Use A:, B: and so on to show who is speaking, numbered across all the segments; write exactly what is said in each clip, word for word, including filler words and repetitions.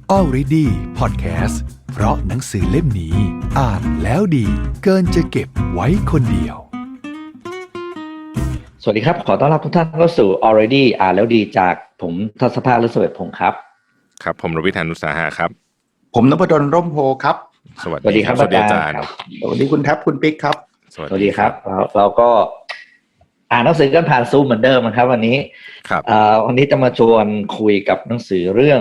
A: Already Podcast เพราะหนังสือเล่มนี้อ่านแล้วดีเกินจะเก็บไว้คนเดียว
B: สวัสดีครับขอต้อนรับทุกท่านเข้าสู่ Already อ่านแล้วดีจากผมทศภาค ฤศเวทพงศ์ครับ
C: ครับผมรวิธานุสาหะครับ
D: ผมนพดลร่มโพครับ
C: สวัสดีครับสวัสดีอาจารย์
D: สวัสดีคุณแท็บคุณปิ๊กครับ
B: สวัสดีครับเราเราก็อ่านหนังสือกันผ่านซูมเหมือนเดิมนะครับวันนี้
C: ครับ
B: วันนี้จะมาชวนคุยกับหนังสือเรื่อง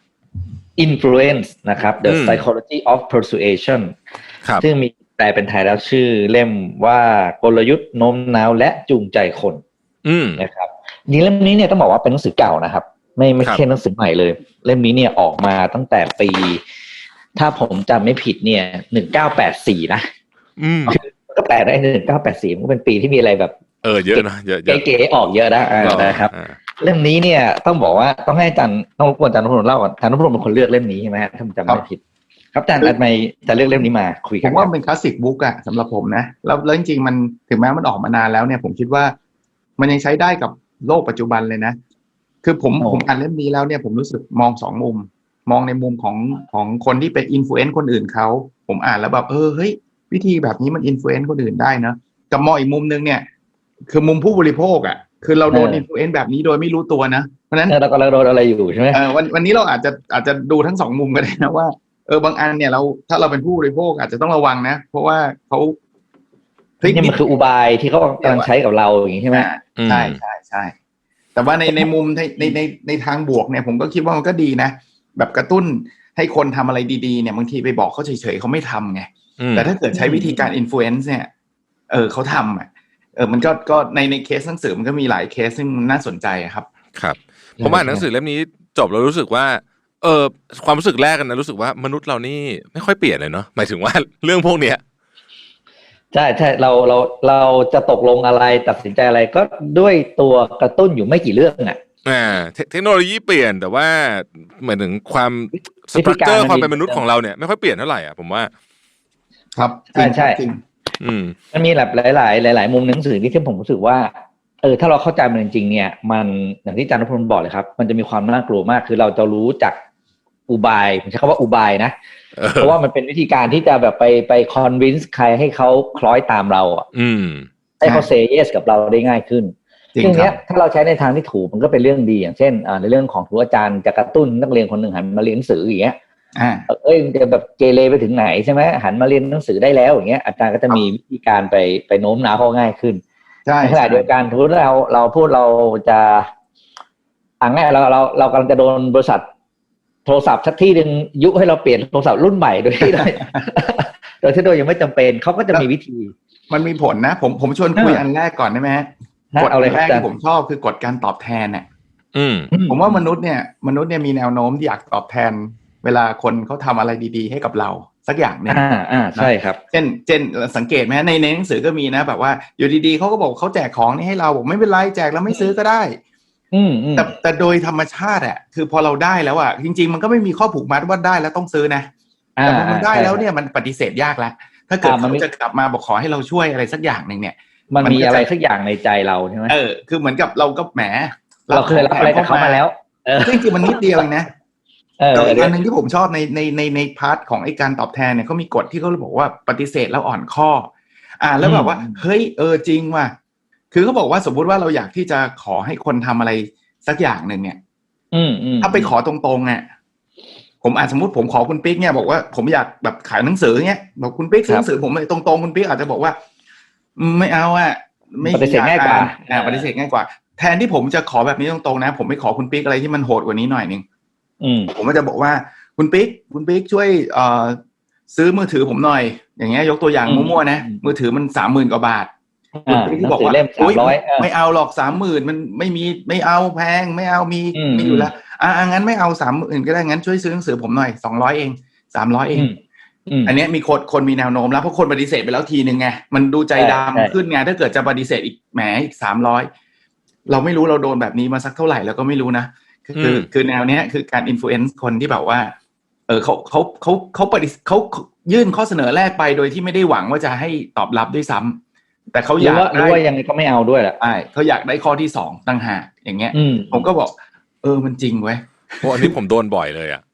B: Influence นะครับ The Psychology of Persuasion ซึ่งมีแปลเป็นไทยแล้วชื่อเล่มว่ากลยุทธ์โน้มน้าวและจูงใจคนนะครับนี่เล่มนี้เนี่ยต้องบอกว่าเป็นหนังสือเก่านะครับไม่ไม่ใช่หนังสือใหม่เลยเล่มนี้เนี่ยออกมาตั้งแต่ปีถ้าผมจำไม่ผิดเนี่ยหนึ่งเก้าแปดสี่นะ
C: อืม
B: ก็แปลได้หนึ่งเก้าแปดสี่มันก็เป็นปีที่มีอะไรแบบ
C: เออเยอะนะเยอะ
B: เก๋ๆออกเยอะนะนะครับเล่มนี้เนี่ยต้องบอกว่าต้องให้อาจารย์ต้องรบกวนอาจารย์นพดลเล่าก่อนอาจารย์นพดลเป็นคนเลือกเล่มนี้ใช่ไหมถ้าผมจำไม่ผิดครับอาจารย์ทำไมจะเลือกเล่มนี้มาคุยกัน
D: ผมว่าเป็นคลาสสิกบุ๊กอะสำหรับผมนะแล้วแล้วจริงๆมันถึงแม้มันออกมานานแล้วเนี่ยผมคิดว่ามันยังใช้ได้กับโลกปัจจุบันเลยนะคือผมผมอ่านเล่มนี้แล้วเนี่ยผมรู้สึกมองสองมุมมองในมุมของของคนที่เป็นอินฟลูเอนซ์คนอื่นเขาผมอ่านแล้วแบบเออเฮ้ยวิธีแบบนี้มันอินฟลูเอนซ์คนอื่นได้นะกับมองอีกมุมนึงเนี่ยคือมุมผู้บริโภคอ่ะคือเราโดนอินฟลูเอนซ์แบบนี้โดยไม่รู้ตัวนะเพราะฉะนั้น
B: เรากำลังโดนอะไรอยู่ใช่ไหม
D: เออวันวันนี้เราอาจจะอาจจะดูทั้งสองมุมก็ได้นะว่าเออบางอันเนี่ยเราถ้าเราเป็นผู้บริโภคอาจจะต้องระวังนะเพราะว่าเขา
B: นี่มันคืออุบายที่เขากำลังใช้กับเราอย่างนี้ใช่ไหม
D: ใช่ใช่ใช่แต่ว่าในในมุมในในในในทางบวกเนี่ยผมก็คิดว่ามันก็ดีนะแบบกระตุ้นให้คนทำอะไรดีๆเนี่ยบางทีไปบอกเขาเฉยๆเขาไม่ทำไงแต่ถ้าเกิดใช้วิธีการอินฟลูเอนซ์เนี่ยเออเขาทำอ่ะเออมันก็ก็ในในเคสหนังสือมันก็มีหลายเคสซึ่งน่าสนใจครับ
C: ครับผมอ่านหนังสือเล่มนี้จบแล้วรู้สึกว่าเออความรู้สึกแรกกันนะรู้สึกว่ามนุษย์เรานี่ไม่ค่อยเปลี่ยนเลยเนาะหมายถึงว่าเรื่องพวกเนี้ย
B: ใช่ใช่เราเราเราจะตกลงอะไรตัดสินใจอะไรก็ด้วยตัวกระตุ้นอยู่ไม่กี่เรื่องอ่ะ
C: อ่าเทคโนโลยีเปลี่ยนแต่ว่าหมายถึงความสตรัคเจอร์ความเป็นมนุษย์ของเราเนี่ยไม่ค่อยเปลี่ยนเท่าไหร่อ่ะผมว่า
D: ครับ
B: ใช่ใช่
C: อืม
B: มันมีแบบหลายๆหลายๆมุมหนังสือที่ที่ผมรู้สึกว่าเออถ้าเราเข้าใจมันจริงๆเนี่ยมันอย่างที่อาจารย์นพดลบอกเลยครับมันจะมีความน่ากลัวมากคือเราจะรู้จักอุบายผมใช้คำว่าอุบายนะเพราะว่ามันเป็นวิธีการที่จะแบบไปไปคอนวินส์ใครให้เขาคล้อยตามเราอ่ะให้เขาเซย์เยสกับเราได้ง่ายขึ้นซึ่งเนี้ยถ้าเราใช้ในทางที่ถูกมันก็เป็นเรื่องดีอย่างเช่นอ่าในเรื่องของครูอาจารย์จะกระตุ้นนักเรียนคนหนึ่งหันมาเรียนหนังสืออย่างเงี้ยเอ้ยจะแบบเกเรไปถึงไหนใช่ไหมหันมาเรียนหนังสือได้แล้วอย่างเงี้ยอาจารย์ก็จะมีวิธีการไปไปโน้มน้าวเขาง่ายขึ้นในขณะเดียวกันทุกเราเราพูดเราจะอ่าง่ายเราเราเรากำลังจะโดนบริษัทโทรศัพท์สักที่นึงยุให้เราเปลี่ยนโทรศัพท์รุ่นใหม่โดยที่โดยโดยที่โดยยังไม่จำเป็นเขาก็จะมีวิธี
D: มันมีผลนะผมผมชวนคุยอันแรกก่อนได้ไหมกฎแรกที่ผมชอบคือกฎการตอบแทนเนี่ยผมว่ามนุษย์เนี่ยมนุษย์เนี่ยมีแนวโน้มที่อยากตอบแทนเวลาคนเขาทำอะไรดีๆให้กับเราสักอย่างเนี่ย
B: อ่าอ่าใช่ครับ
D: เช่นเช่นสังเกตไหมในในหนังสือก็มีนะแบบว่าอยู่ดีๆเขาก็บอกเขาแจกของนี่ให้เราบอกไม่เป็นไรแจกแล้วไม่ซื้อก็ได้แต่แต่โดยธรรมชาติอ่ะคือพอเราได้แล้วอ่ะจริงๆมันก็ไม่มีข้อผูกมัดว่าได้แล้วต้องซื้อนะแต่พอมันได้แล้วเนี่ยมันปฏิเสธยากแล้วถ้าเกิดเขาจะกลับมาบอกขอให้เราช่วยอะไรสักอย่างนึงเนี่ย
B: มันมีอะไรสักอย่างในใจเราใช่ไหม
D: เออคือเหมือนกับเราก็แหม
B: เราเคยรับอะไรกับเขามาแล้ว
D: จริงๆมันนิดเดียวเองนะแต่อีกอันนึงที่ผมชอบในในในในพาร์ทของไอ้การตอบแทนเนี่ยเขามีกฎที่เขาบอกว่าปฏิเสธแล้วอ่อนข้ออ่าแล้วแบบว่าเฮ้ยเออจริงว่ะคือเขาบอกว่าสมมุติว่าเราอยากที่จะขอให้คนทำอะไรสักอย่างหนึ่งเนี่ยถ้าไปขอตรงๆเนี่ยผมอาจสมมติผมขอคุณปิ๊กเนี่ยบอกว่าผมอยากแบบขายหนังสือเนี่ยบอกคุณปิ๊กซื้อหนังสือผมตรงๆคุณปิ๊กอาจจะบอกว่าไม่เอาอ่ะ
B: ไม่ปฏิเสธง่ายกว่า
D: อ่าปฏิเสธง่ายกว่าแทนที่ผมจะขอแบบนี้ตรงๆนะผมไม่ขอคุณปิ๊กอะไรที่มันโหดกว่านี้หน่อยนึงผมก็จะบอกว่าคุณปิ๊กคุณปิ๊กช่วยเอ่อซื้อมือถือผมหน่อยอย่างเงี้ยยกตัวอย่างมั่วๆนะมือถือมันสามหมื่นกว่าบาทคุณปิ๊กที่บอกว่าอุ้ยไม่เอาหรอกสามหมื่นมันไม่มีไม่เอาแพงไม่เอามีมีอยู่แล้วอ่างั้นไม่เอาสามหมื่นก็ได้งั้นช่วยซื้อหนังสือผมหน่อยสองร้อยเองสามร้อยเองอันนี้มีคนคนมีแนวโน้มแล้วเพราะคนปฏิเสธไปแล้วทีนึงไงมันดูใจดำขึ้นไงถ้าเกิดจะปฏิเสธอีกแหมอีกสามร้อยเราไม่รู้เราโดนแบบนี้มาสักเท่าไหร่แล้วก็ไม่รู้นะคือคือแนวเนี้ยคือการอินฟลูเอนซ์คนที่แบบว่าเออเขาเขาเขาเขาปฏิเขายื่นข้อเสนอแรกไปโดยที่ไม่ได้หวังว่าจะให้ตอบรับด้วยซ้ำแต่เขาอยาก
B: ได้ว่ายังไงก็ไม่เอาด้วยแหละ
D: ใช่เขาอยากได้ข้อที่สองต่างหากอย่างเงี้ยผมก็บอกเออมันจริงเว้ย
C: เพราะอันนี้ผมโดนบ่อยเลยอ่ะ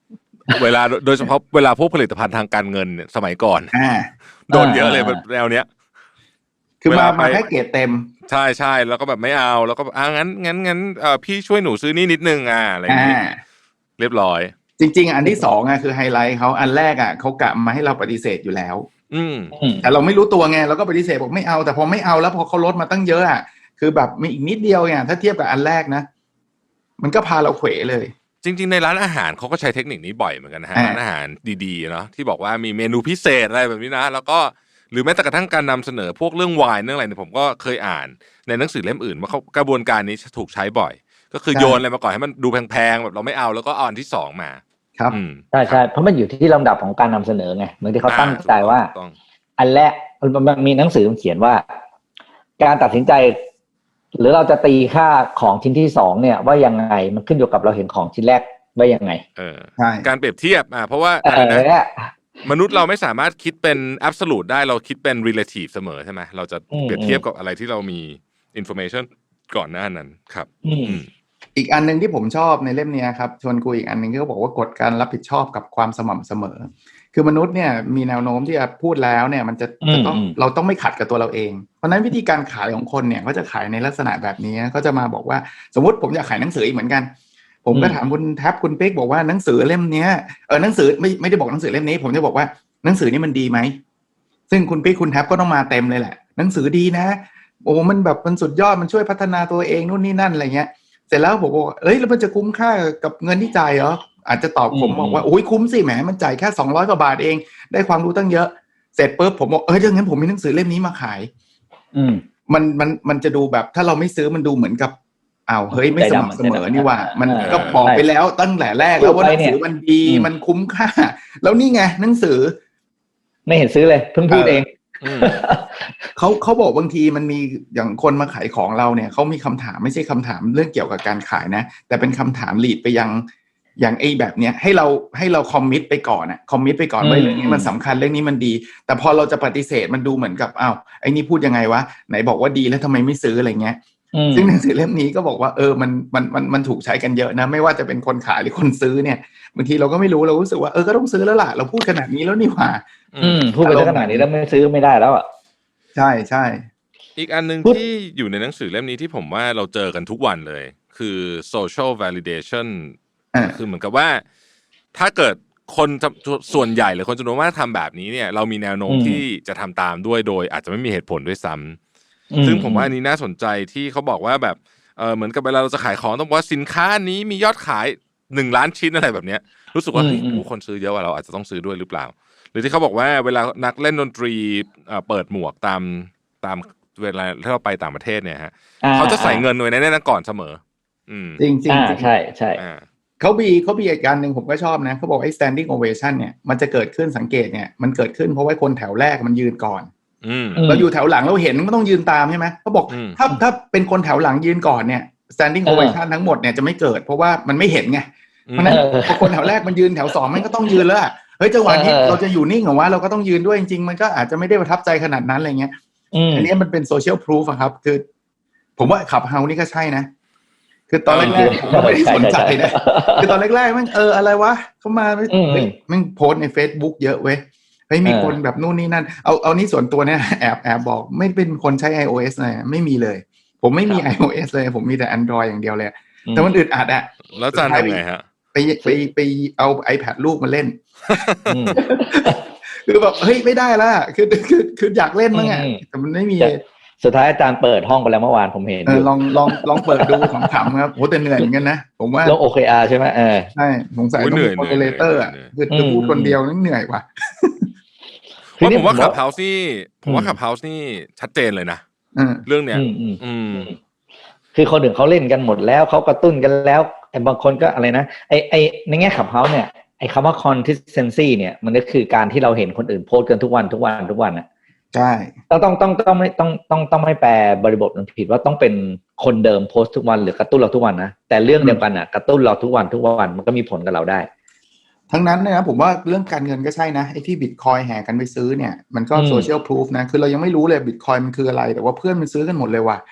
C: เวลาโดยเฉพาะเวลาพวกผลิตภัณฑ์ทางการเงินเนี่ยสมัยก่อน
D: อ่า
C: โดนเยอะเลยแบบแนวเนี้ย
D: คือมามาแค่เกรดเต็ม
C: ใช่ใช่แล้วก็แบบไม่เอาแล้วก็อ่างั้นงั้นงั้นเอ่อพี่ช่วยหนูซื้อนี่นิดนึงอ่ะอะไรอย่างงี้เรียบร้อย
D: จริงๆอันที่สองอ่ะคือไฮไลท์เขาอันแรกอ่ะเขากะมาให้เราปฏิเสธอยู่แล้ว
C: อืม
D: แต่เราไม่รู้ตัวไงเราก็ปฏิเสธบอกไม่เอาแต่พอไม่เอาแล้วพอเขาลดมาตั้งเยอะอ่ะคือแบบมีอีกนิดเดียวเนี่ยถ้าเทียบกับอันแรกนะมันก็พาเราเขวเลย
C: จริงๆในร้านอาหารเขาก็ใช้เทคนิคนี้บ่อยเหมือนกันนะฮะร้านอาหารดีๆเนาะที่บอกว่ามีเมนูพิเศษอะไรแบบนี้นะแล้วก็หรือแม้แต่กระทั่งการนำเสนอพวกเรื่องไวน์เรื่องอะไรเนี่ยผมก็เคยอ่านในหนังสือเล่มอื่นว่าเขากระบวนการนี้ถูกใช้บ่อยก็คือโยนอะไรมาก่อนให้มันดูแพงๆแบบเราไม่เอาแล้วก็เอาอันที่สองมา
D: ครับ
B: ใช่ใช่เพราะมันอยู่ที่ลำดับของการนำเสนอไงเหมือนที่เขาตั้งใจว่าอันแรกมันมีหนังสือเขียนว่าการตัดสินใจหรือเราจะตีค่าของชิ้นที่สองเนี่ยว่ายังไงมันขึ้นอยู่กับเราเห็นของชิ้นแรกว่ายังไง
C: เออใช่การเปรียบเทียบอ่ะเพราะว่าอะไรนะมนุษย์เราไม่สามารถคิดเป็น absolute ได้เราคิดเป็น relative เสมอใช่ไหมเราจะเปรียบเทียบกับอะไรที่เรามี information ก่อนหน้านั้นครับ
D: อีกอันนึงที่ผมชอบในเล่มนี้ครับชวนคุยอีกอันนึงก็บอกว่ากฎการรับผิดชอบกับความสม่ำเสมอคือมนุษย์เนี่ยมีแนวโน้มที่จะพูดแล้วเนี่ยมันจะจะต้องเราต้องไม่ขัดกับตัวเราเองเพราะนั้นวิธีการขายของคนเนี่ยก็จะขายในลักษณะแบบนี้ก็จะมาบอกว่าสมมติผมอยากขายหนังสืออีกเหมือนกันผมก็ถามคุณแท็บคุณเป๊กบอกว่าหนังสือเล่มนี้เออหนังสือไม่ไม่ได้บอกหนังสือเล่มนี้ผมจะบอกว่าหนังสือนี่มันดีไหมซึ่งคุณเป๊กคุณแท็บก็ต้องมาเต็มเลยแหละหนังสือดีนะโอ้มันแบบมันสุดยอดมันช่วยพัฒนาตัวเองนู่นนี่นั่นอะไรเงี้ยเสร็จแล้วผมบอกเอ้ยแล้วมันจะคุ้มค่ากับเงินที่จ่ายเหรออาจจะตอบผมบอกว่าโอ้ยคุ้มสิแหมมันจ่ายแค่สองร้อยกว่าบาทเองได้ความรู้ตั้งเยอะเสร็จปุ๊บผมบอกเอ้ยถ้างั้นผมมีหนังสือเล่มนี้มาขายอืมมันมันมันจะดูแบบถ้าเราไม่ซื้อมันดูเหมือนกับอ้าวเฮ้ยไม่สม่ำเสมอนี่ว่ามันก็บอกไปแล้วตั้งแต่แรกแล้วว่าหนังสือมันดีมันคุ้มค่าแล้วนี่ไงหนังสือ
B: ไม่เห็นซื้อเลยเพิ่งพูดเอง
D: เขาเขาบอกบางทีมันมีอย่างคนมาขายของเราเนี่ยเขามีคำถามไม่ใช่คำถามเรื่องเกี่ยวกับการขายนะแต่เป็นคำถามลีดไปยังอย่างไอ้แบบเนี้ยให้เราให้เราคอมมิตไปก่อนอะคอมมิตไปก่อนว่าเรื่องนี้มันสำคัญเรื่องนี้มันดีแต่พอเราจะปฏิเสธมันดูเหมือนกับอ้าวไอ้นี่พูดยังไงวะไหนบอกว่าดีแล้วทำไมไม่ซื้ออะไรเงี้ยซึ่งหนังสือเล่มนี้ก็บอกว่าเออมันมันมันมันถูกใช้กันเยอะนะไม่ว่าจะเป็นคนขายหรือคนซื้อเนี่ยบางทีเราก็ไม่รู้เรารู้สึกว่าเออก็ต้องซื้อแล้วล่ะเราพูดขนาดนี้แล้วนี่หว่า
B: พูดไปขนาดนี้แล้วไม่ซื้อไม่ได้แล้วอ่ะ
D: ใช่ใช่
C: อีกอันนึงที่อยู่ในหนังสือเล่มนี้ที่ผมว่าเราเจอกันทุกวันเลยคือ social validation คือเหมือนกับว่าถ้าเกิดคนส่วนใหญ่หรือคนจำนวนมากทำแบบนี้เนี่ยเรามีแนวโน้มที่จะทำตามด้วยโดยอาจจะไม่มีเหตุผลด้วยซ้ำซึ่งผมว่าอันนี้น่าสนใจที่เขาบอกว่าแบบเออเหมือนกับเวลาเราจะขายของต้องบอกว่าสินค้านี้มียอดขายหนึ่งล้านชิ้นอะไรแบบเนี้ยรู้สึกว่าเฮ้ยคนซื้อเยอะกว่าเราอาจจะต้องซื้อด้วยหรือเปล่าหรือที่เขาบอกว่าเวลานักเล่นดนตรีเปิดหมวกตามตามเวลาที่เราไปต่างประเทศเนี่ยฮะเขาจะใส่เงินไว้ในนั้นก่อนเสมอ
D: จริงจริง
B: ใช่ใช่
D: เขาบีเขาบีอีกการหนึ่งผมก็ชอบนะเขาบอกไอ้ standing ovation เนี่ยมันจะเกิดขึ้นสังเกตเนี่ยมันเกิดขึ้นเพราะว่าคนแถวแรกมันยืนก่อนเราอยู่แถวหลังเราเห็นมันก็ต้องยืนตามใช่ไหมเขาบอกถ้าถ้าเป็นคนแถวหลังยืนก่อนเนี่ย standing ovation ทั้งหมดเนี่ยจะไม่เกิดเพราะว่ามันไม่เห็นไงเพราะนั้นพอคนแถวแรกมันยืนแถวสองมันก็ต้องยืนแล้วเฮ้ยจังหวะนี้เราจะอยู่นิ่งเหรอวะเราก็ต้องยืนด้วยจริงๆมันก็อาจจะไม่ได้ประทับใจขนาดนั้นอะไรเงี้ยอันนี้มันเป็นโซเชียลพรูฟครับคือผมว่าขับเฮานี่ก็ใช่นะคือตอนแรกๆผมไม่ได้สนใจนะคือตอนแรกๆมันเอออะไรวะเขามาเฮ้ยมันโพสใน Facebook เยอะเว้ยเฮ้ยมีคนแบบนู่นนี่นั่นเอาเอานี่ส่วนตัวเนี่ยแอบแอบบอกไม่เป็นคนใช้ iOS เลยไม่มีเลยผมไม่มี iOS เลยผมมีแต่ Android อย่างเดียวเลยแต่มันอึดอัดอะ
C: แล้วจะทำไงฮะ
D: ไปไปไปเอา iPad ลูกมาเล่นคือแบบเฮ้ยไม่ได้ละคือคือคืออยากเล่นมั้งอ่ะแต่มันไม่มี
B: สุดท้ายอาจารย์เปิดห้องไปแล้วเมื่อวานผมเห็น
D: ลองลองลองเปิดดูของขำครับโหแต่เหนื่อยเหมือนกันนะผมว่า
B: ลง โอ เค อาร์ ใช่ไหมเออ
D: ใช่สงสัยต้องมีโมเดเลเตอร์อ่ะคือจะพูดคนเดียวนั่งเหนื่อยว่ะ
C: ว่าผมว่าขับเฮาส์นี่ผมว่าขับเฮาส์นี่ชัดเจนเลยนะเรื่องเนี้ย
B: คือคนอื่นเขาเล่นกันหมดแล้วเขากระตุ้นกันแล้วไอ้บางคนก็อะไรนะไอ้ไอ้ในแง่ขับเฮาส์เนี่ยไอ้คำว่า consistency เนี่ยมันก็คือการที่เราเห็นคนอื่นโพสต์กันทุกวันทุกวันทุกวันอ่ะ
D: ใช่
B: ต้องต้องต้องต้องไม่ต้องต้องต้องไม่แปลบริบทมันผิดว่าต้องเป็นคนเดิมโพสต์ทุกวันหรือกระตุ้นเราทุกวันนะแต่เรื่องเดียวกันอ่ะกระตุ้นเราทุกวันทุกวันมันก็มีผลกับเราได้
D: ทั้งนั้นเนี่ยนะผมว่าเรื่องการเงินก็ใช่นะไอ้ที่บิตคอยแห่กันไปซื้อเนี่ยมันก็โซเชียลพรูฟนะคือเรายังไม่รู้เลยบิตคอยมันคืออะไรแต่ว่าเพื่อนมันซื้อกันหมดเลยว่ะ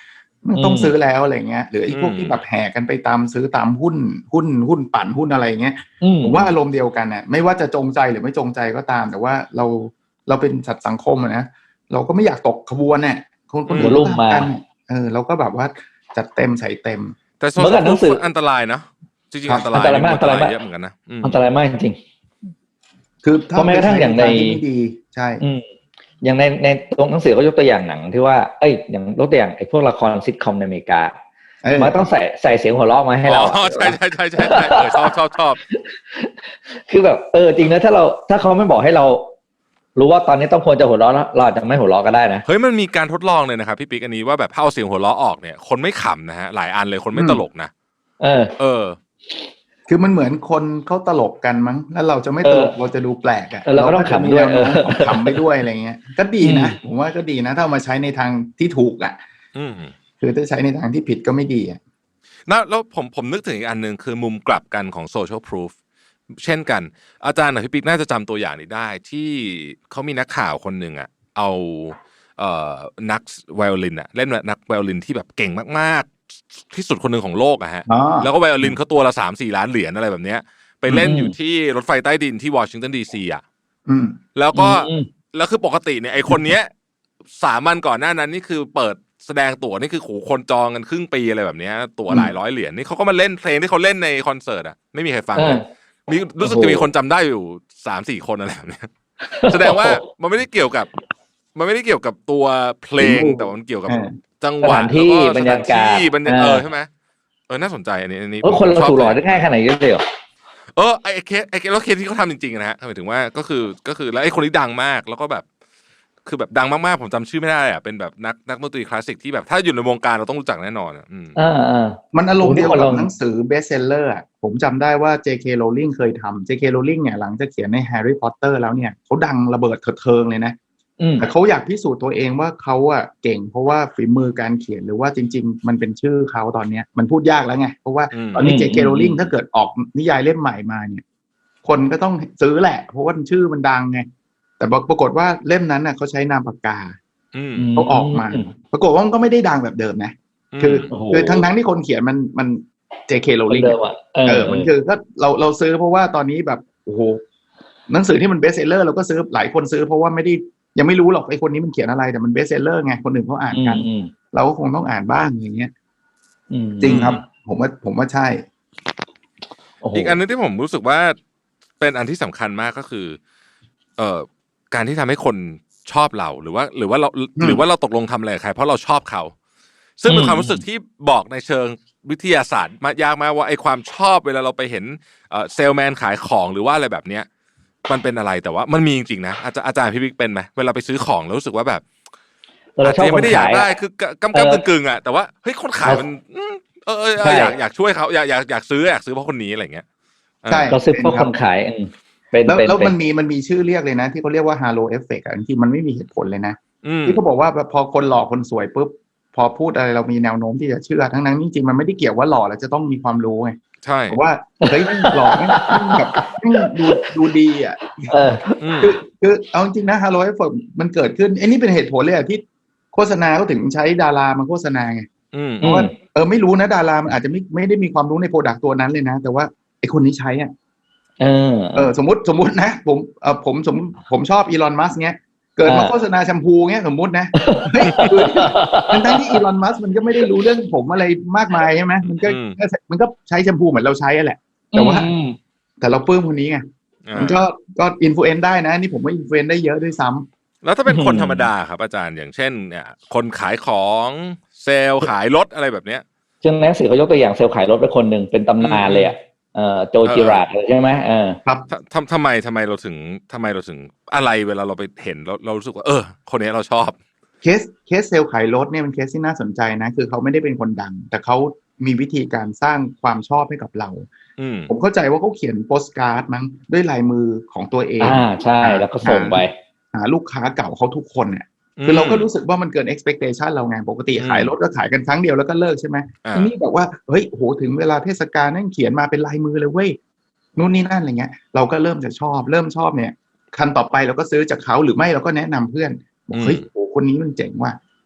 D: มันต้องซื้อแล้วอะไรเงี้ยหรือไอ้พวกที่แบบแห่กันไปตามซื้อตามหุ้นหุ้นหุ้นปั่นหุ้นอะไรเงี้ยผมว่าอารมณ์เดียวกันน่ะไม่ว่าจะจงใจหรือไม่จงใจก็ตามแต่ว่าเราเราเป็นสัตว์สังคมนะเราก็ไม่อยากตกขบวนเนี่ยคนคนอื่นมากันเออเราก็แบบว่าจัดเต็มใส่เต็ม
C: แต่โซเชียลพูฟอันตรายนะจริงๆอันตรายมากอันตรายเยอะเหมือนกันนะ
B: อันตรายมากจริง
D: คือถ้า
B: แม้กระทั่งอย่างใน
D: ดีใช่
B: อย่างในในตรงหนังสือเขายกตัวอย่างหนังที่ว่าเอ้ยอย่างยกตัวอย่างไอ้พวกละครซิทคอมในอเมริกามันต้องใส่ใส่เสียงหัวเราะมาให้เรา
C: อ๋อใช่ใช่ใช่ใช่ใช่ชอบชอบชอบ
B: คือแบบเออจริงนะถ้าเราถ้าเขาไม่บอกให้เรารู้ว่าตอนนี้ต้องควรจะหัวเราะเราอาจจะไม่หัวเราะก็ได้นะ
C: เฮ้ยมันมีการทดลองเลยนะครับพี่ปิ๊กอันนี้ว่าแบบถ้าเอาเสียงหัวเราะออกเนี่ยคนไม่ขำนะฮะหลายอันเลยคนไม่ตลกนะ
B: เออ
C: เออ
D: คือมันเหมือนคนเขาตลกกันมั้งแล้วเราจะไม่ตลกเราจะดูแปลกอ่ะ
B: เราก็ต้องขำด้วยเออ
D: ขำไปด้วยอะไรเงี้ยก็ดีนะผมว่าก็ดีนะถ้าเอามาใช้ในทางที่ถูกอ่ะคือถ้าใช้ในทางที่ผิดก็ไม่ดีอ่ะ
C: นะแล้วผมผมนึกถึงอีกอันนึงคือมุมกลับกันของ social proof เช่นกันอาจารย์พี่ปิ๊กน่าจะจำตัวอย่างนี้ได้ที่เขามีนักข่าวคนหนึ่งอ่ะเอาเอ่อนักไวโอลินอ่ะเล่นนักไวโอลินที่แบบเก่งมากๆที่สุดคนหนึ่งของโลกอะฮะแล้วก็ไวโอลินเขาตัวละ สามสี่ ล้านเหรียญอะไรแบบเนี้ยไปเล่นอยู่ที่รถไฟใต้ดินที่วอชิงตันดีซีอ่ะแล้วก็แล้วคือปกติเนี่ยไอคนเนี้ยสามวันก่อนหน้านั้นนี่คือเปิดแสดงตั๋วนี่คือโหคนจองกันครึ่งปีอะไรแบบเนี้ยตั๋วหลายร้อยเหรียญนี่เขาก็มาเล่นเพลงที่เขาเล่นในคอนเสิร์ตอ่ะไม่มีใครฟังเลยมีรู้สึกจะมีคนจำได้อยู่ สามสี่ คนอะไรแบบเนี้ยแสดงว่ามันไม่ได้เกี่ยวกับมันไม่ได้เกี่ยวกับตัวเพลงแต่มันเกี่ยวกับจังหวะ
B: ที่บรรยากาศ
C: เออใช่ไหมเออน่าสนใจอันนี้อันนี้
B: เออคนเราถูกหลอกได้ง่ายขนาดนี้เลยเหรอ
C: เออไอเคสไอเคสแล้วเคสที่เขาทำจริงๆนะฮะหมายถึงว่าก็คือก็คือแล้วไอคนนี้ดังมากแล้วก็แบบคือแบบดังมากๆผมจำชื่อไม่ได้อ่ะเป็นแบบนักนักดนตรีคลาสสิกที่แบบถ้าอยู่ในวงการเราต้องรู้จักแน่นอนอ่ะ
B: อ่าอ่า
D: มันอารมณ์เดียวกับหนังสือเบสเซลเลอร์อ่ะผมจำได้ว่า เจ เค Rowling เคยทำ เจ เค Rowling เนี่ยหลังจากเขียนใน Harry Potter แล้วเนี่ยเขาดังระเบิดเถิดเทิงเลยนะแต่เขาอยากพิสูจน์ตัวเองว่าเขาอ่ะเก่งเพราะว่าฝีมือการเขียนหรือว่าจริงๆมันเป็นชื่อเขาตอนนี้มันพูดยากแล้วไงเพราะว่าตอนนี้ เจ เค Rowling ถ้าเกิดออกนิยายเล่มใหม่มาเนี่ยคนก็ต้องซื้อแหละเพราะว่าชื่อมันดังไงแต่ปรากฏว่าเล่มนั้นน่ะเขาใช้นามปากกาเขาออกมาปรากฏว่ามันก็ไม่ได้ดังแบบเดิมนะคือคือทั้งทั้งที่คนเขียนมันมัน เจ เค Rowling เออมันคือก็เราเราซื้อเพราะว่าตอนนี้แบบโอ้โหหนังสือที่มันเบสเซลเลอร์เราก็ซื้อหลายคนซื้อเพราะว่าไม่ได้ยังไม่รู้หรอกไอ้คนนี้มันเขียนอะไรแต่มันเบสเซลเลอร์ไงคนอื่นเขาอ่านกันเราก็คงต้องอ่านบ้างอย่างเงี้ยจริงครับผมว่าผมว่าใช่
C: อีกอันนึงที่ผมรู้สึกว่าเป็นอันที่สำคัญมากก็คือเอ่อการที่ทำให้คนชอบเราหรือว่าหรือว่าเราหรือว่าเราตกลงทำอะไรกับใครเพราะเราชอบเขาซึ่งเป็นความรู้สึกที่บอกในเชิงวิทยาศาสตร์มายากมากว่าไอ้ความชอบเวลาเราไปเห็นเอ่อเซลแมนขายของหรือว่าอะไรแบบเนี้ยมันเป็นอะไรแต่ว่ามันมีจริงๆนะอาจารย์อาจารย์พี่บิ๊กเป็นไหมเวลาไปซื้อของแล้วรู้สึกว่าแบบอาจจะไม่ได้อยากได้คือกำกำกึ่งๆอ่ะแต่ว่าเฮ้ยคนขายมันเออเอออยากอยากช่วยเขาอยากอยากอยากซื้ออยากซื้อเพราะคนนี้อะไรเงี้ย
B: ใช่เราซื้อเพราะคนขาย
D: แล้วแล้วมันมีมันมีชื่อเรียกเลยนะที่เขาเรียกว่าฮาโลเอฟเฟกต์อ่ะจริงๆมันไม่มีเหตุผลเลยนะที่เขาบอกว่าพอคนหล่อคนสวยปุ๊บพอพูดอะไรเรามีแนวโน้มที่จะเชื่อทั้งนั้นจริงๆมันไม่ได้เกี่ยวว่าหล่อแล้วจะต้องมีความรู้ไง
C: ใช่
D: เพราะว่าเฮ้ยหล่อไม่แบบดูดูดีอ่ะคือคือเอาจริงนะฮาโลเอฟเฟกต์มันเกิดขึ้นไอ้นี่เป็นเหตุผลเลยอ่ะที่โฆษณาเขาถึงใช้ดารามาโฆษณาไงเพราะว่าเออไม่รู้นะดารามันอาจจะไม่ไม่ได้มีความรู้ในโปรดักต์ตัวนั้นเลยนะแต่ว่าไอ้คนนี้ใช้อ่ะเออเออสมมติสมมตินะผมเออผมสมผมชอบอีลอนมัสก์เงี้ยเกิดมาโฆษณาแชมพูเงี้ยสมมตินะเฮ้ยทั้งทั้งที่อีลอนมัสก์มันก็ไม่ได้รู้เรื่องผมอะไรมากมายใช่ไหมมันก็มันก็ใช้แชมพูเหมือนเราใช้แหละแต่ว่าแต่เราปลื้มคนนี้ไงมันก็ก็อินฟลูเอนซ์ได้นะนี่ผมว่าอินฟลูเอนซ์ได้เยอะด้วยซ้ำ
C: แล้วถ้าเป็นคนธรรมดาครับอาจารย์อย่างเช่นเนี่ยคนขายของเซลล์ขายรถอะไรแบบเนี้ย
B: ซึ่งหนังสือเขายกตัวอย่างเซลล์ขายรถเป็นคนหนึ่งเป็นตำนานเลยอ่ะเอ่อโจจิราดใช่ไหมเออ
C: ครับทำทำไมทำไมเราถึงทำไมเราถึงอะไรเวลาเราไปเห็นเราเรารู้สึกว่าเออคนนี้เราชอบ
D: เคสเคสเซลล์ขายรถเนี่ยเป็นเคสที่น่าสนใจนะคือเขาไม่ได้เป็นคนดังแต่เขามีวิธีการสร้างความชอบให้กับเราผมเข้าใจว่าเขาเขียนโปสการ์ดมั้งด้วยลายมือของตัวเอง
B: อ่าใช่แล้วก็ส่งไป
D: หาลูกค้าเก่าเขาทุกคนเนี่ยคือเราก็รู้สึกว่ามันเกิน expectation เราไงปกติขายรถก็ขายกันครั้งเดียวแล้วก็เลิกใช่ไหมทีนี้บอกว่าเฮ้ยโหถึงเวลาเทศกาลนั่งเขียนมาเป็นลายมือเลยเว้ยนู่นนี่นั่นอะไรเงี้ยเราก็เริ่มจะชอบเริ่มชอบเนี่ยคันต่อไปเราก็ซื้อจากเขาหรือไม่เราก็แนะนำเพื่อนบอกเฮ้ยโหคนนี้มันเจ๋งว่ะ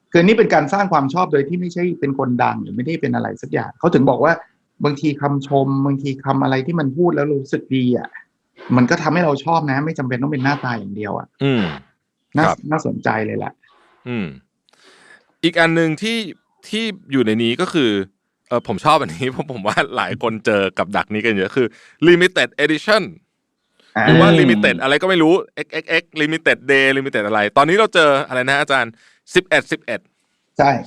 D: คือนี่เป็นการสร้างความชอบโดยที่ไม่ใช่เป็นคนดังหรือไม่ได้เป็นอะไรสักอย่างเขาถึงบอกว่าบางทีคำชมบางทีคำอะไรที่มันพูดแล้วรู้สึกดีอ่ะมันก็ทำให้เราชอบนะไม่จำเป็นต้องเป็นหน้าตาอย่างเดียวอ่ะ
C: อืม
D: น่าน่าสนใจเลยแหละ
C: อืมอีกอันนึงที่ที่อยู่ในนี้ก็คือเออผมชอบอันนี้เพราะผมว่าหลายคนเจอกับดักนี้กันเยอะคือ limited edition หรือว่า limited อะไรก็ไม่รู้ เอ็กซ์ เอ็กซ์ เอ็กซ์ limited day limited อะไรตอนนี้เราเจออะไรนะอาจารย์สิบเอ็ด สิบเอ็ด
D: ใช่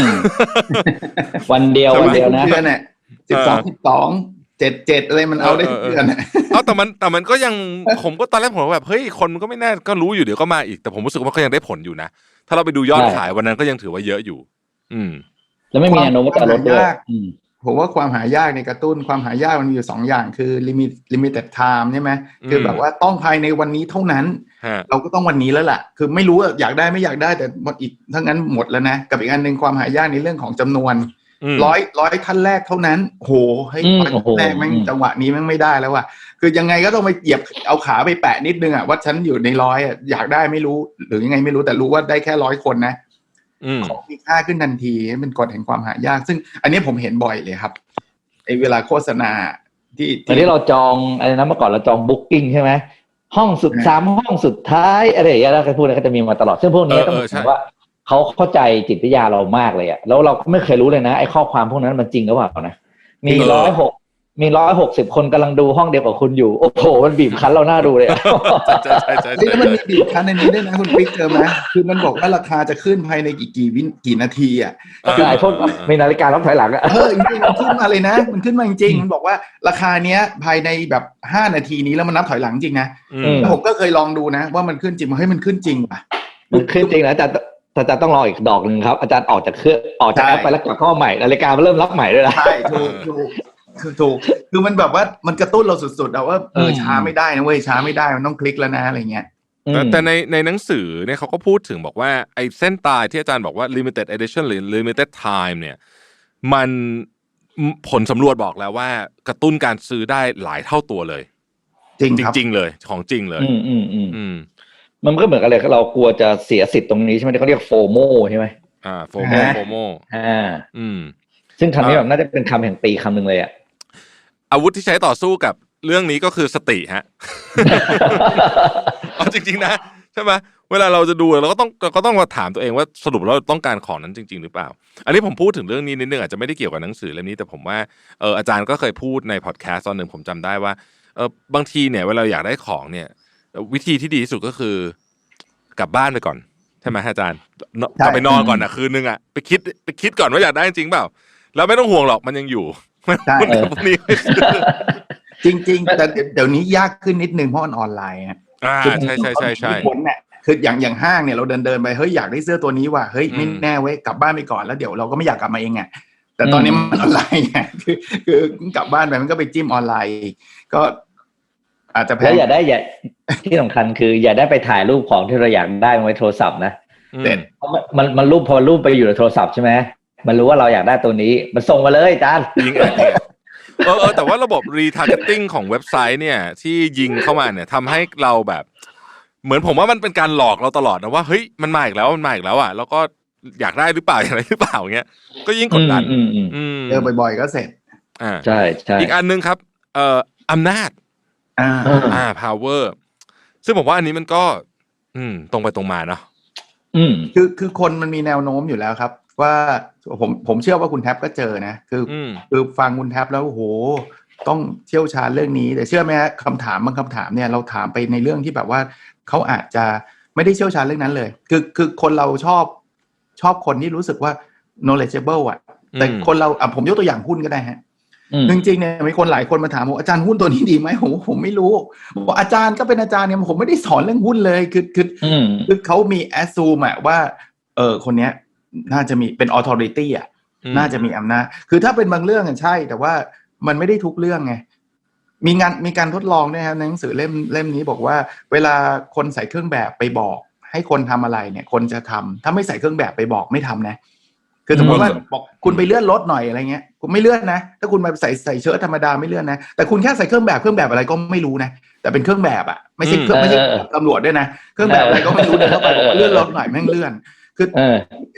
B: วันเดียววันเดียวนะ
D: เดือนเนี่ยสิบสอง สิบสอง เจ็ด เจ็ดอะไรมันเอาได้ทุกเดือนน่ะ
C: เอาแต่มันแต่มันก็ยังผมก็ตอนแรกผมแบบเฮ้ยคนมันก็ไม่แน่ก็รู้อยู่เดี๋ยวก็มาอีกแต่ผมรู้สึกว่าก็ยังได้ผลอยู่นะถ้าเราไปดูยอดขายวันนั้นก็ยังถือว่าเยอะอยู่อืม
B: แล้วไม่มีแนวโน้มว่าจะลดด้วย
D: ผมว่าความหายากในกระตุ้นความหายากมันมีอยู่สองอย่างคือลิมิตลิมิเต็ดไทม์ใช่ไหมคือแบบว่าต้องภายในวันนี้เท่านั้นเราก็ต้องวันนี้แล้วล่ะคือไม่รู้อยากได้ไม่อยากได้แต่หมดอีกทั้งนั้นหมดแล้วนะกับอีกอันนึงความหายากในเรื่องของจำนวนร้อยร้อยท่านแรกเท่านั้นโหให้ร้อยท่านแรกแม่งจังหวะนี้แม่งไม่ได้แล้วว่ะคือยังไงก็ต้องไปเหยียบเอาขาไปแปะนิดนึงอ่ะว่าฉันอยู่ในร้อยอ่ะอยากได้ไม่รู้หรือยังไงไม่รู้แต่รู้ว่าได้แค่ร้อยคนนะของมีค่าขึ้นทันทีเป็นกฎแห่งความหายากซึ่งอันนี้ผมเห็นบ่อยเลยครับไอ้เวลาโฆษณาที่
B: ตอนนี้เราจองอะไรนะเมื่อก่อนเราจองบุ๊กกิ้งใช่ไหมห้องสุดสามห้องสุดท้ายอะไรอย่างเงี้ยแล้วก็พูดอะไรก็จะมีมาตลอดซึ่งพวกนี้ต้องบอกว่าเขาเข้าใจจิตวิทยาเรามากเลยอะแล้วเราก็ไม่เคยรู้เลยนะไอ้ข้อความพวกนั้นมันจริงหรือเปล่านะมีร้อยหกมีร้อยหกสิบคนกำลังดูห้องเดียวกับคุณอยู่โอ้โหมันบีบคั้นเราหน้าดูเลย
C: ใช่ใช่ใช่
D: แล้วมันมีบีบคั้นในนี้ด้วยนะคุณปิ๊กเจอไหมคือมันบอกว่าราคาจะขึ้นภายในกี่กี่วิกี่นาทีอ่ะ
B: คือไอ้พวกมีนาฬิกานับถอยหลังอ่ะ
D: เออจริงๆมันขึ้นมาเลยนะมันขึ้นมาจริงๆมันบอกว่าราคาเนี้ยภายในแบบห้านาทีนี้แล้วมันนับถอยหลังจริงนะแล้วผมก็เคยลองดูนะว่ามันขึ้นจริงเฮ้ยมันขึ้นจริงป่ะ
B: มันขึ้นจริงนะแต่อาจารย์ต้องรออีกดอกนึงครับอาจารย์ออกจากเครื่องออกจากแอปไปแล้วกลับเข้าใหม่นาฬิกามันเริ่มรับใหม่ด้วยนะ
D: ใช่ถูกถูกคือถูกคือมันแบบว่ามันกระตุ้นเราสุดๆอะว่าเออช้าไม่ได้นะเว้ยช้าไม่ได้มันต้องคลิกแล้วนะอะไรเงี้ย
C: แต่ในในหนังสือเนี่ยเขาก็พูดถึงบอกว่าไอ้เส้นตายที่อาจารย์บอกว่า limited edition หรือ limited time เนี่ยมันผลสำรวจบอกแล้วว่ากระตุ้นการซื้อได้หลายเท่าตัวเลย
D: จริงครับ
C: จริงๆเลยของจริงเลย
B: อืมอืมอืมอืมมันก็เหมือนกันเลยเรากลัวจะเสียสิทธิ์ตรงนี้ใช่ไหมที่เขาเรียกโฟโมใช่ไหม
C: อ่าโฟโมโฟโม
B: อ่าอืมซึ่งคำนี้แบบน่าจะเป็นคำแห่งปีคำหนึ่งเลยอ่ะ
C: อาวุธที่ใช้ต่อสู้กับเรื่องนี้ก็คือสติฮะ เอาจริงๆนะใช่ไหมเวลาเราจะดูเราก็ต้องเราก็ต้องมาถามตัวเองว่าสรุปเราต้องการของนั้นจริงๆหรือเปล่าอันนี้ผมพูดถึงเรื่องนี้นิดนึงอาจจะไม่ได้เกี่ยวกับหนังสือเล่มนี้แต่ผมว่าเอออาจารย์ก็เคยพูดในพอดแคสต์ตอนหนึ่งผมจำได้ว่าเออบางทีเนี่ยเวลาอยากได้ของเนี่ยวิธีที่ดีที่สุดก็คือกลับบ้านไปก่อนใช่ไหมอาจารย์กลับไปนอนก่อนนะคืนนึงอ่ะไปคิดไปคิดก่อนว่าอยากได้จริงเปล่าแล้วไม่ต้องห่วงหรอกมันยังอยู่
D: ใช่จริงๆแต่เดี๋ยวนี้ยากขึ้นนิดนึงเพราะมันออนไลน์
C: อ่าใช่ใช่ใช่ใช่
D: ผลเนี่ยคืออย่างอย่างห้างเนี่ยเราเดินเดินไปเฮ้ยอยากได้เสื้อตัวนี้ว่ะเฮ้ยไม่แน่เว้ยกลับบ้านไปก่อนแล้วเดี๋ยวเราก็ไม่อยากกลับมาเองไงแต่ตอนนี้มันออนไลน์ไงคือคือกลับบ้านไปมันก็ไปจิ้มออนไลน์ก็อาจจะแพ้
B: แล้วอย่าได้อย่าที่สำคัญคืออย่าได้ไปถ่ายรูปของที่เราอยากได้ไว้โทรศัพท์นะ
D: เด็ด
B: เพราะมันมันรูปพอรูปไปอยู่ในโทรศัพท์ใช่ไหมมันรู้ว่าเราอยากได้ตัวนี้มันส่งมาเลยอาจารย์
C: ยิงแอดเนี่ยเออเออแต่ว่าระบบ retargeting ของเว็บไซต์เนี่ยที่ยิงเข้ามาเนี่ยทำให้เราแบบเหมือนผมว่ามันเป็นการหลอกเราตลอดนะว่าเฮ้ยมันมาอีกแล้วมันมาอีกแล้วอ่ะแล้วก็อยากได้หรือเปล่าอะไรหรือเปล่าเงี้ยก็ยิ่งกดดัน
D: เจอบ่อยๆก็เสร็จ
C: อ่า
B: ใช่ใช่
C: อีกอันนึงครับเอ่ออำนาจ
D: อ่า
C: อ่า power ซึ่งผมว่าอันนี้มันก็อืมตรงไปตรงมาเนาะ
B: อืม
D: คือคือคนมันมีแนวโน้มอยู่แล้วครับว่าผมผมเชื่อว่าคุณแท็บก็เจอนะคือคือฟังคุณแท็บแล้วโอ้โหต้องเชี่ยวชาญเรื่องนี้แต่เชื่อไหมฮะคำถามบางคำถามเนี่ยเราถามไปในเรื่องที่แบบว่าเขาอาจจะไม่ได้เชี่ยวชาญเรื่องนั้นเลยคือคือคนเราชอบชอบคนที่รู้สึกว่า knowledgeable อ่ะแต่คนเราอ่ะผมยกตัวอย่างหุ้นก็ได้ฮะจริงๆเนี่ยมีคนหลายคนมาถามว่าอาจารย์หุ้นตัวนี้ดีไหมผมผมไม่รู้บอกอาจารย์ก็เป็นอาจารย์เนี่ยผมไม่ได้สอนเรื่องหุ้นเลยคือคือคือเขามี assume อ่ะว่าเออคนเนี้ยน่าจะมีเป็น authority อ่ะน่าจะมีอำนาจคือถ้าเป็นบางเรื่องอ่ะใช่แต่ว่ามันไม่ได้ทุกเรื่องไงมีงานมีการทดลองด้วยครับในหนังสือเล่มเล่มนี้บอกว่าเวลาคนใส่เครื่องแบบไปบอกให้คนทำอะไรเนี่ยคนจะทำถ้าไม่ใส่เครื่องแบบไปบอกไม่ทำนะคือสมมติว่าบอกคุณไปเลื่อนรถหน่อยอะไรเงี้ยคุณไม่เลื่อนนะถ้าคุณมาใส่ใส่เชิ้ตธรรมดาไม่เลื่อนนะแต่คุณแค่ใส่เครื่องแบบเครื่องแบบอะไรก็ไม่รู้นะแต่เป็นเครื่องแบบอ่ะไม่ใช่เครื่องไม่ใช่ตำรวจด้วยนะเครื่องแบบอะไรก็ไม่รู้เดินเข้าไปบอกเลื่อนรถหน่อยแม่งเลื่อนคือคือ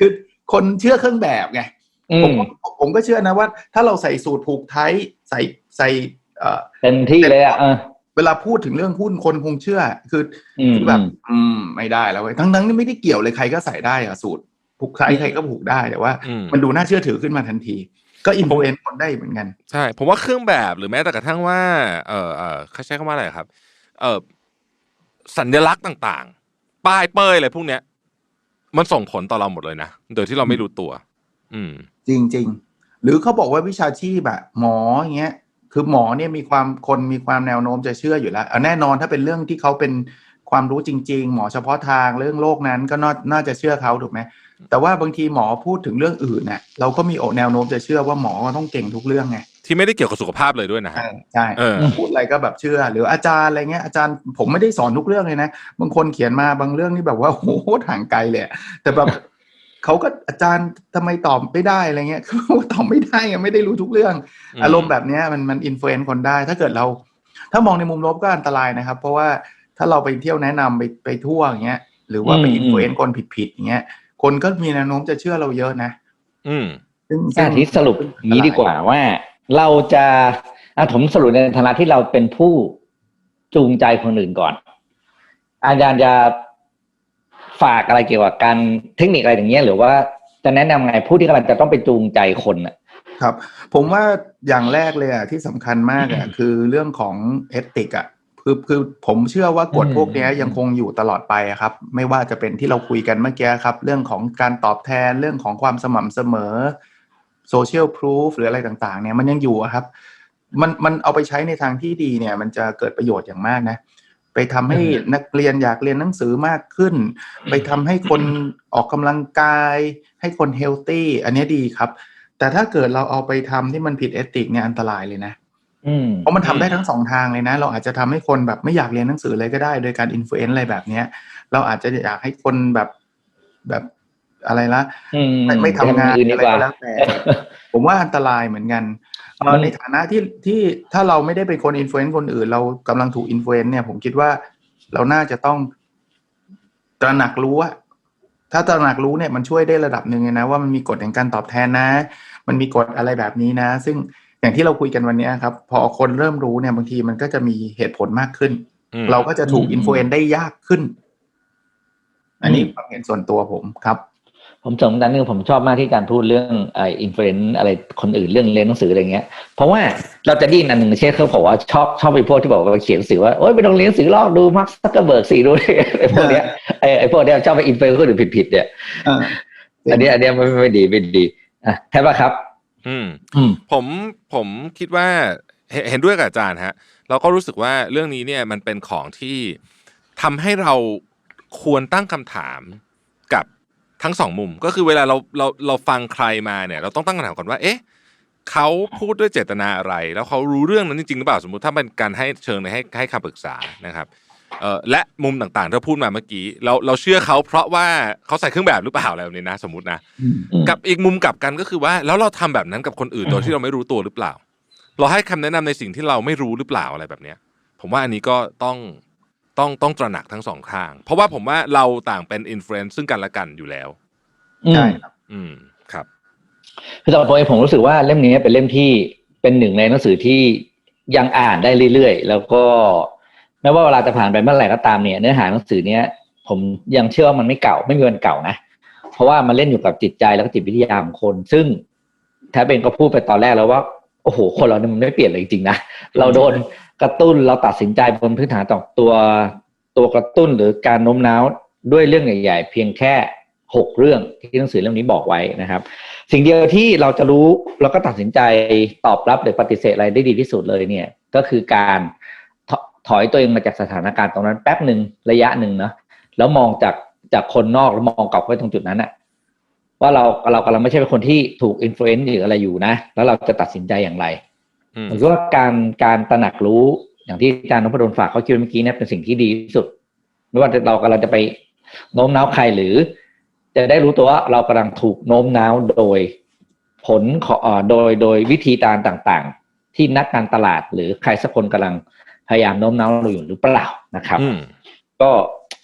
D: คนเชื่อเครื่องแบบไงผมผมก็เชื่อนะว่าถ้าเราใส่สูทผูกไทยใส่ใส่เอ่อ
B: เต็มที่เลยอ่ะ
D: เวลาพูดถึงเรื่องหุ้นคนคงเชื่อคือคือแบบอืมไม่ได้แล้วเว้ยทั้งๆนี่ไม่ได้เกี่ยวเลยใครก็ใส่ได้อะสูทผูกไทยใครก็ผูกได้แต่ว่ามันดูน่าเชื่อถือขึ้นมาทันทีก็อินฟลูเอนซ์คนได้เหมือนกัน
C: ใช่ผมว่าเครื่องแบบหรือแม้แต่กระทั่งว่าเออเออเขาใช้คำว่าอะไรครับเออสัญลักษณ์ต่างๆป้ายเป้ยอะไรพวกเนี้ยมันส่งผลต่อเราหมดเลยนะโดยที่เราไม่รู้ตัวอืม
D: จริงๆหรือเขาบอกว่าวิชาชีพอะหมออย่างเงี้ยคือหมอเนี่ยมีความคนมีความแนวโน้มจะเชื่ออยู่แล้วแน่นอนถ้าเป็นเรื่องที่เขาเป็นความรู้จริงๆหมอเฉพาะทางเรื่องโรคนั้นก็น่าจะเชื่อเขาถูกไหมแต่ว่าบางทีหมอพูดถึงเรื่องอื่นเนี่ยเราก็มีแนวโน้มจะเชื่อว่าหมอต้องเก่งทุกเรื่องไง
C: ที่ไม่ได้เกี่ยวกับสุขภาพเลยด้วยนะ
D: ใช่พูดอะไรก็แบบเชื่อหรืออาจารย์อะไรเงี้ยอาจารย์ผมไม่ได้สอนทุกเรื่องเลยนะบางคนเขียนมาบางเรื่องนี่แบบว่าโหห่างไกลเลยแต่แบบเขาก็อาจารย์ทำไมตอบไม่ได้อะไรเงี้ยเขาตอบไม่ได้ไงไม่ได้รู้ทุกเรื่องอารมณ์แบบนี้มันมันอินฟลูเอนซ์คนได้ถ้าเกิดเราถ้ามองในมุมลบก็อันตรายนะครับเพราะว่าถ้าเราไปเที่ยวแนะนำไปไปทั่วอย่างเงี้ยหรือว่าไปอินฟลูเอนซ์คนผิดๆอย่างเงี้ยคนก็มีแนวโน้มจะเชื่อเราเยอะนะ
C: อืม
B: ซึ่งที่สรุปนี้ดีกว่าว่าเราจะอ่ะผมสรุปในฐานะที่เราเป็นผู้จูงใจคนอื่นก่อนอาจารย์จะฝากอะไรเกี่ยวกับการเทคนิคอะไรอย่างเงี้ยหรือว่าจะแนะนำไงผู้ที่กำลังจะต้องไปจูงใจคนอ่ะ
D: ครับผมว่าอย่างแรกเลยอ่ะที่สำคัญมากอ่ะคือเรื่องของเอติกอ่ะคือคือผมเชื่อว่ากฎพวกนี้ยังคงอยู่ตลอดไปครับไม่ว่าจะเป็นที่เราคุยกันเมื่อกี้ครับเรื่องของการตอบแทนเรื่องของความสม่ำเสมอโซเชียลพรูฟหรืออะไรต่างๆเนี่ยมันยังอยู่ครับมันมันเอาไปใช้ในทางที่ดีเนี่ยมันจะเกิดประโยชน์อย่างมากนะไปทำให้นักเรียนอยากเรียนหนังสือมากขึ้นไปทำให้คนออกกำลังกายให้คนเฮลตี้อันนี้ดีครับแต่ถ้าเกิดเราเอาไปทำที่มันผิดเอติกเนี่ยอันตรายเลยนะเพราะมันทำได้ทั้งสองทางเลยนะเราอาจจะทำให้คนแบบไม่อยากเรียนหนังสือเลยก็ได้โดยการอินฟลูเอนซ์อะไรแบบนี้เราอาจจะอยากให้คนแบบแบบอะไรละไม่ไม่ทำงานอะไรก็แล้วแต่ผมว่าอันตรายเหมือนกันในฐานะที่ที่ถ้าเราไม่ได้เป็นคนอินฟลูเอนซ์คนอื่นเรากำลังถูกอินฟลูเอนซ์เนี่ยผมคิดว่าเราน่าจะต้องตระหนักรู้ว่าถ้าตระหนักรู้เนี่ยมันช่วยได้ระดับหนึ่งนะว่ามันมีกฎแห่งการตอบแทนนะมันมีกฎอะไรแบบนี้นะซึ่งอย่างที่เราคุยกันวันนี้ครับพอคนเริ่มรู้เนี่ยบางทีมันก็จะมีเหตุผลมากขึ้นเราก็จะถูกอินฟลูเอนซ์ได้ยากขึ้นอันนี้ความเห็นส่วนตัวผมครับ
B: ผมสมนั้นนึงผมชอบมากที่การพูดเรื่องไอ้อินฟลูเอนซ์อะไรคนอื่นเรื่องเรียนหนังสืออะไรเงี้ยเพราะว่าเราจะได้ยินอันหนึ่งเช่นเขาบอกว่าชอบชอบไปพวกที่บอกว่าเขียนหนังสือว่าโอ๊ยไปลองเรียนหนังสือลอกดูมาร์คซักเคอร์เบิร์กสิดูไอ้พวกเนี้ยไอ้ไอ้พวกเนี้ยชอบไปอินฟลูเอนซ์คนอื่นผิดๆเนี่ยอันนี้อันนี้ไม่ไม่ดีไม่ดีอ่ะใช่ป่ะครับ
C: อืมอืมผมผมคิดว่าเห็นด้วยกับอาจารย์ฮะเราก็รู้สึกว่าเรื่องนี้เนี่ยมันเป็นของที่ทำให้เราควรตั้งคำถามกับทั้งสองมุมก็คือเวลาเราเราเราฟังใครมาเนี่ยเราต้องตั้งคำถามก่อนว่าเอ๊ะเขาพูดด้วยเจตนาอะไรแล้วเขารู้เรื่องนั้นจริงๆหรือเปล่าสมมุติถ้าเป็นการให้เชิงในให้ให้คำปรึกษานะครับเอ่อและมุมต่างๆที่พูดมาเมื่อกี้เราเราเชื่อเขาเพราะว่าเขาใส่เครื่องแบบหรือเปล่าอะไรแบบนี้นะสมมุตินะกับอีกมุมกลับกันก็คือว่าแล้วเราทำแบบนั้นกับคนอื่นโดยที่เราไม่รู้ตัวหรือเปล่าเราให้คำแนะนำในสิ่งที่เราไม่รู้หรือเปล่าอะไรแบบนี้ผมว่าอันนี้ก็ต้องต้องต้องตระหนักทั้งสองข้างเพราะว่าผมว่าเราต่างเป็นอินฟลูเอนซ์ซึ่งกันและกันอยู่แล้ว
B: ใช่ครับ
C: อืมครับ
B: คือสำหรับผมเองผมรู้สึกว่าเล่มนี้เป็นเล่มที่เป็นหนึ่งในหนังสือที่ยังอ่านได้เรื่อยๆแล้วก็แม้ว่าเวลาจะผ่านไปเมื่อไหร่ก็ตามเนี่ยเนื้อหาหนังสือเนี้ยผมยังเชื่อว่ามันไม่เก่าไม่มีวันเก่านะเพราะว่ามันเล่นอยู่กับจิตใจแล้วก็จิตวิทยาของคนซึ่งแท้เป็นก็พูดไปตอนแรกแล้วว่าโอ้โหคนเราเนี่ยมันไม่เปลี่ยนเลยจริงๆนะเราโดนกระตุ้นเราตัดสินใจบนพื้นฐานต่อตัวตัวกระตุ้นหรือการโน้มน้าวด้วยเรื่องใหญ่ๆเพียงแค่หกเรื่องที่หนังสือเล่มนี้บอกไว้นะครับสิ่งเดียวที่เราจะรู้แล้วก็ตัดสินใจตอบรับหรือปฏิเสธอะไรได้ดีที่สุดเลยเนี่ยก็คือการถอยตัวเองมาจากสถานการณ์ตรงนั้นแป๊บหนึ่งระยะหนึ่งนะแล้วมองจากจากคนนอกแล้วมองกลับไปตรงจุดนั้นอะว่าเราเรากำลังไม่ใช่เป็นคนที่ถูกอินฟลูเอนซ์หรืออะไรอยู่นะแล้วเราจะตัดสินใจอย่างไรผมคิดว่าการการตระหนักรู้อย่างที่อาจารย์นพดลฝากเขาคิดเมื่อกี้เนี่ยเป็นสิ่งที่ดีที่สุดไม่ว่าเรากำลังจะไปโน้มน้าวใครหรือจะได้รู้ตัวว่าเรากำลังถูกโน้มน้าวโดยผลของโดยโดยวิธีการต่างๆที่นักการตลาดหรือใครสักคนกำลังพยายามโน้มน้าวเราอยู่หรือเปล่านะครับก็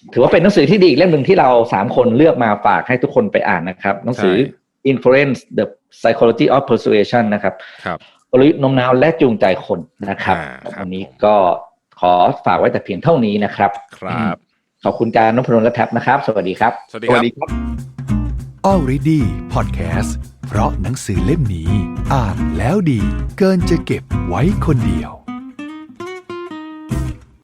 B: ถือว่าเป็นหนังสือที่ดีอีกเล่มหนึ่งที่เราสามคนเลือกมาฝากให้ทุกคนไปอ่านนะครับหนังสือ Influence the Psychology of Persuasion นะครับกลยุทธ์โน้มน้าวและจูงใจคนนะครับวันนี้ก็ขอฝากไว้แต่เพียงเท่านี้นะครับ
C: ครับ
B: ขอบคุณจารย์นพดลและแท็บนะครับสวัสดีครับ
C: สวัสดีครับ
A: Already Podcast เพราะหนังสือเล่มนี้อ่านแล้วดีเกินจะเก็บไว้คนเดียว